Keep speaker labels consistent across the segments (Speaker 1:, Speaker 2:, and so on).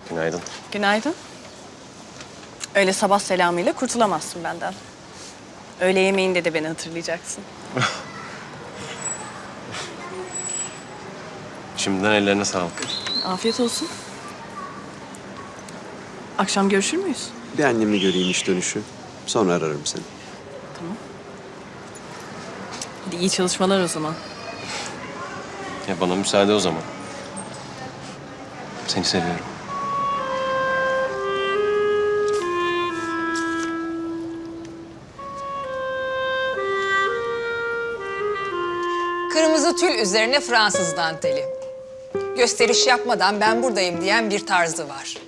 Speaker 1: Günaydın.
Speaker 2: Günaydın. Öyle sabah selamıyla kurtulamazsın benden. Öğle yemeğinde de beni hatırlayacaksın.
Speaker 1: Şimdiden ellerine sağlık.
Speaker 2: Afiyet olsun. Akşam görüşür müyüz?
Speaker 3: Bir annemi göreyim iş dönüşü. Sonra ararım seni.
Speaker 2: Hadi iyi çalışmalar o zaman.
Speaker 1: Ya bana müsaade o zaman. Seni seviyorum.
Speaker 4: Kırmızı tül üzerine Fransız danteli. Gösteriş yapmadan ben buradayım diyen bir tarzı var.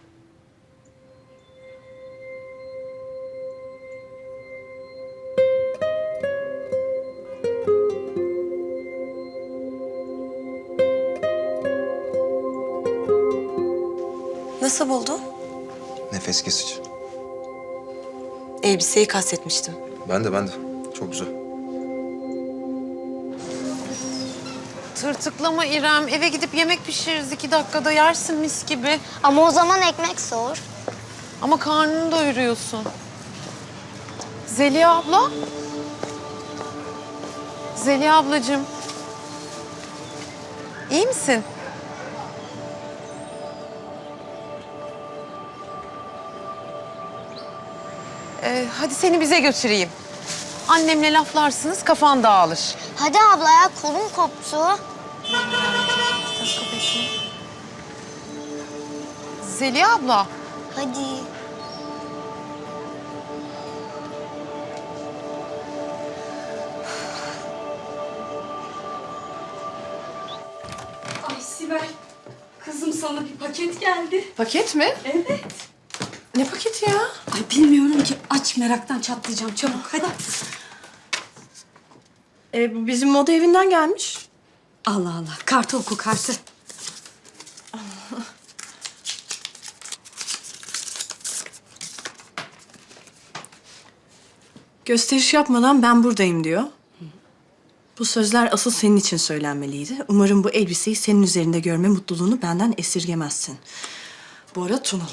Speaker 5: Nasıl buldun?
Speaker 6: Nefes kesici.
Speaker 5: Elbiseyi kastetmiştim.
Speaker 6: Ben de. Çok güzel.
Speaker 7: Tırtıklama İrem. Eve gidip yemek pişiririz 2 dakikada yersin mis gibi.
Speaker 8: Ama o zaman ekmek soğur.
Speaker 7: Ama karnını doyuruyorsun. Zeliha abla. Zeliha ablacığım. İyi misin? Hadi seni bize götüreyim. Annemle laflarsınız, kafan dağılır.
Speaker 8: Hadi abla ya kolum koptu.
Speaker 7: Zeliha abla.
Speaker 8: Hadi.
Speaker 9: Ay Sibel, kızım sana bir paket geldi.
Speaker 7: Paket mi?
Speaker 9: Evet.
Speaker 7: Ne paketi ya?
Speaker 9: Ay bilmiyorum ki, aç meraktan çatlayacağım. Çabuk hadi.
Speaker 2: Bu bizim moda evinden gelmiş.
Speaker 9: Allah Allah, kartı oku kartı.
Speaker 2: Gösteriş yapmadan ben buradayım diyor. Bu sözler asıl senin için söylenmeliydi. Umarım bu elbiseyi senin üzerinde görme mutluluğunu benden esirgemezsin. Bora Tunalı.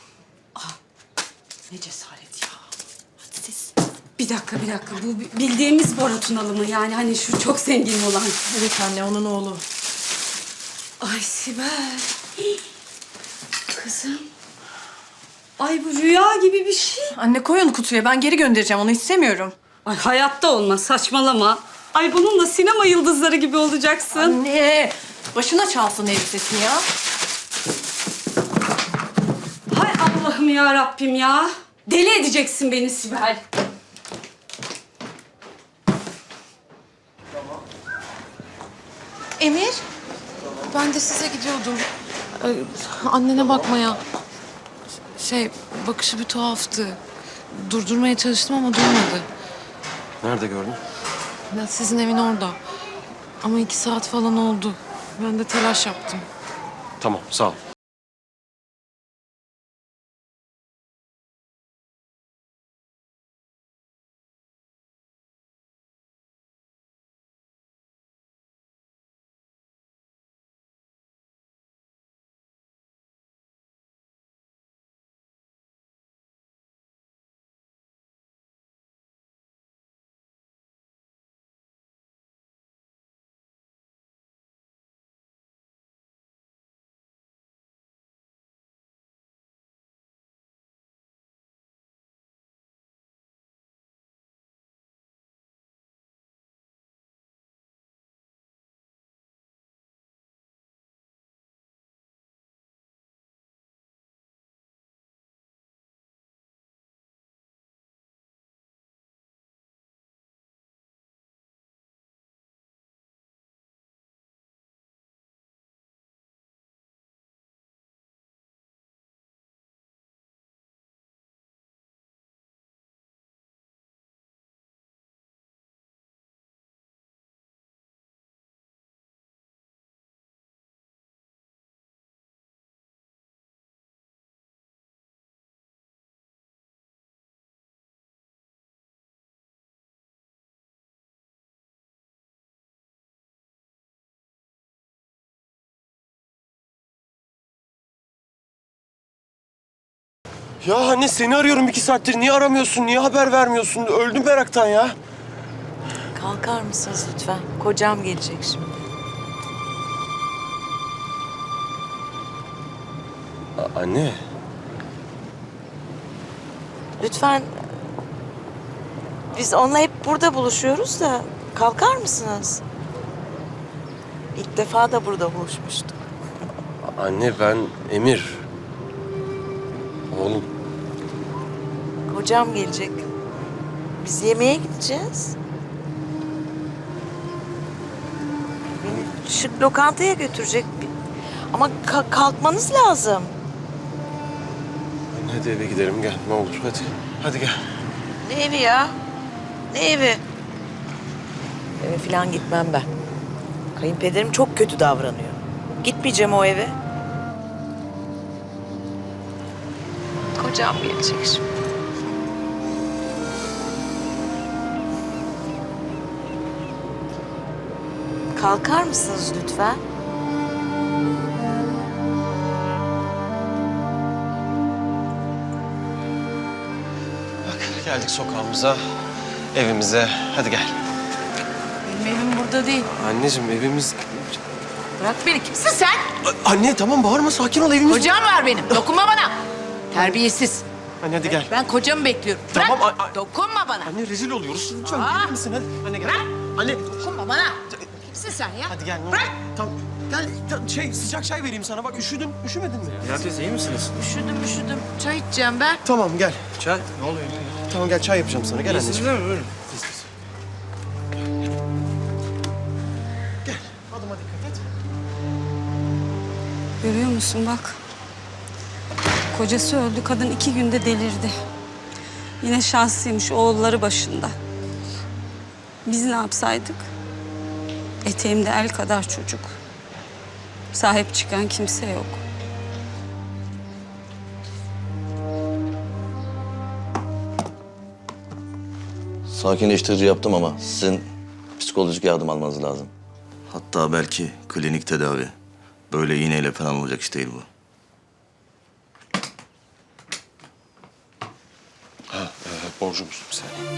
Speaker 9: Ne cesaret ya. Hadi siz. Bir dakika. Bu bildiğimiz Bora Tunalı mı? Yani hani şu çok zengin olan.
Speaker 2: Evet anne, onun oğlu.
Speaker 9: Ay Sibel. Hii. Kızım. Ay bu rüya gibi bir şey.
Speaker 2: Anne koy onu kutuya, ben geri göndereceğim, onu istemiyorum.
Speaker 9: Ay hayatta olmaz, saçmalama. Ay bununla sinema yıldızları gibi olacaksın.
Speaker 2: Anne, başına çalsın elbisesini ya.
Speaker 9: Hay Allah'ım ya Rabbim ya. Deli edeceksin beni Sibel.
Speaker 7: Emir. Ben de size gidiyordum. Annene bakmaya. Bakışı bir tuhaftı. Durdurmaya çalıştım ama durmadı.
Speaker 1: Nerede gördün?
Speaker 7: Ya sizin evin orada. Ama 2 saat falan oldu. Ben de telaş yaptım.
Speaker 1: Tamam, sağ ol. Ya anne seni arıyorum 2 saattir. Niye aramıyorsun? Niye haber vermiyorsun? Öldüm meraktan ya.
Speaker 10: Kalkar mısınız lütfen? Kocam gelecek şimdi.
Speaker 1: Anne.
Speaker 10: Lütfen. Biz onunla hep burada buluşuyoruz da kalkar mısınız? İlk defa da burada buluşmuştuk.
Speaker 1: Anne ben Emir. Oğlum.
Speaker 10: Kocam gelecek. Biz yemeğe gideceğiz. Beni şık lokantaya götürecek. Ama kalkmanız lazım.
Speaker 1: Anne hadi eve gidelim gel ne olur hadi. Hadi gel.
Speaker 10: Ne evi ya? Ne evi? Eve falan gitmem ben. Kayınpederim çok kötü davranıyor. Gitmeyeceğim o eve. Kocam gelecek şimdi. Kalkar mısınız lütfen?
Speaker 1: Bak geldik sokağımıza, evimize. Hadi gel.
Speaker 7: Benim evim burada değil.
Speaker 1: Anneciğim evimiz...
Speaker 7: Bırak beni. Kimsin sen?
Speaker 1: Anne tamam bağırma sakin ol evimiz...
Speaker 7: Kocam var benim. Dokunma bana. Terbiyesiz.
Speaker 1: Anne hadi gel.
Speaker 7: Ben kocamı bekliyorum. Bırak.
Speaker 1: Tamam,
Speaker 7: Dokunma bana.
Speaker 1: Anne rezil oluyoruz. Lütfen
Speaker 7: Aa!
Speaker 1: gelir misin hadi. Anne gel. Anne
Speaker 7: Dokunma bana. Kimsin sen ya?
Speaker 1: hadi gel. Ne olur.
Speaker 7: Bırak.
Speaker 1: Tamam. Gel sıcak çay vereyim sana. Bak üşüdün. Üşümedin mi?
Speaker 6: Ya teyze iyi misiniz?
Speaker 7: Üşüdüm. Çay içeceğim ben.
Speaker 1: Tamam gel.
Speaker 6: Çay. Ne oluyor?
Speaker 1: Tamam gel çay yapacağım sana. Gel anneciğim.
Speaker 6: mi? Buyurun.
Speaker 1: Gel. Adıma dikkat et.
Speaker 9: Görüyor musun bak. Kocası öldü, kadın 2 günde delirdi. Yine şanslıymış, oğulları başında. Biz ne yapsaydık? Eteğimde el kadar çocuk. Sahip çıkan kimse yok.
Speaker 11: Sakinleştirici yaptım ama sizin psikolojik yardım almanız lazım. Hatta belki klinik tedavi. Böyle iğneyle falan olacak iş değil bu.
Speaker 1: Borcumuz bir saniye.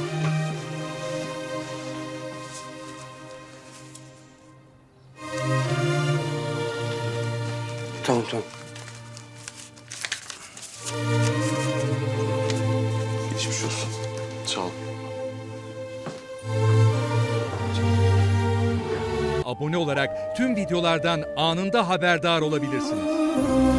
Speaker 1: Tamam. Geçmiş olsun. Sağ ol.
Speaker 12: Abone olarak tüm videolardan anında haberdar olabilirsiniz.